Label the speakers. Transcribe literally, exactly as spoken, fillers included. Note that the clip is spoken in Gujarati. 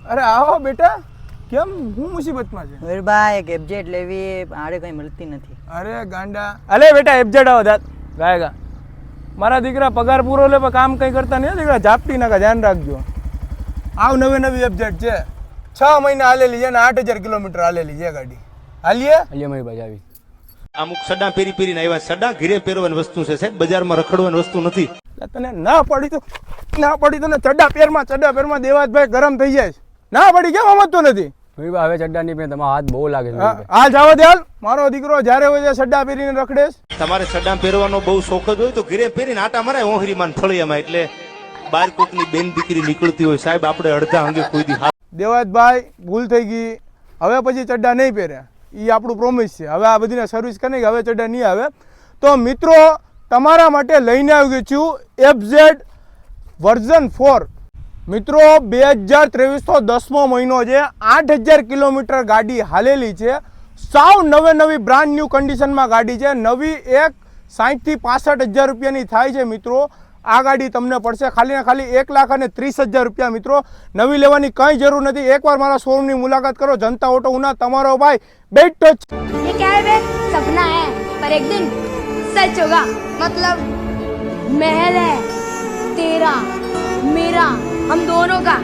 Speaker 1: અરે આવો બેટા, કેમ હું મુસીબતમાં છે?
Speaker 2: વીરભાઈ એક એબજેટ લેવી આડે કઈ મળતી નથી.
Speaker 1: અરે ગાંડા, અલે બેટા એબજેટ આવો દાંત ગાયગા. મારા દીકરા પગાર પૂરો લે પણ કામ કઈ કરતા નહીં દીકરા, ઝાપટી નાખા, ધ્યાન રાખજો. આવ નવી નવી એબજેટ છે, છ મહિના હાલેલી છે ને આઠ હજાર કિલોમીટર હાલેલી છે ગાડી. હાલીએ
Speaker 3: હાલીએ મારી બાજુ આવી.
Speaker 4: અમુક સડા પેરી પેરીને આવ્યા. સડા ઘીરે પહેરવાની વસ્તુ છે સાહેબ, બજારમાં રખડવાની વસ્તુ નથી.
Speaker 1: તને ના પડી તો ના પડી તો ને ચડ્ડા પેરમાં ચડ્ડા પેરમાં દેવાજભાઈ ગરમ થઈ જાય. ના પડી કેમ સમજતો નથી?
Speaker 3: ભાઈ હવે ચડ્ડા નહીં પહેરે, તમારો હાથ બહુ લાગે છે.
Speaker 1: હા જાવ દે હાલ, મારો દીકરો જ્યારે હોય છે સડ્ડા પહેરીને રખડેશ.
Speaker 4: તમારે સડા પહેરવાનો બહુ શોખ જ હોય તો ઘીરે પહેરીને આટા મરાય ઓહરીમાં ફળિયામાં, એટલે બાર કોકની બેન દીકરી નીકળતી હોય સાહેબ, આપણે અડધા અંગે કોઈ દી.
Speaker 1: દેવાજભાઈ ભૂલ થઈ ગઈ, હવે પછી ચડ્ડા નહીં પહેરે, એ આપણું પ્રોમિસ છે. હવે આ બધીને સર્વિસ કરી કે હવે ચડ્ડા નહીં આવે. તો મિત્રો તમારા માટે લઈને આવી ગયું છું એફઝેડ વર્ઝન ફોર. મિત્રો બે હજાર ત્રેવીસનો દસમો મહિનો છે, આઠ હજાર કિલોમીટર ગાડી હાલેલી છે, સાવ નવે નવી બ્રાન્ડ ન્યૂ કન્ડિશનમાં ગાડી છે. નવી એક સાઠથી પાસઠ હજાર રૂપિયાની થાય છે. મિત્રો આ ગાડી તમને પડશે ખાલી ને ખાલી એક લાખ અને ત્રીસ હજાર રૂપિયા. મિત્રો નવી લેવાની કંઈ જરૂર નથી, એકવાર મારા શોરૂમની મુલાકાત કરો. જનતા ઓટો ઉના, તમારો ભાઈ બેઠો જ.
Speaker 5: ये क्या है बे? सपना है पर एक दिन सच होगा. मतलब महल है तेरा मेरा हम दोनों का.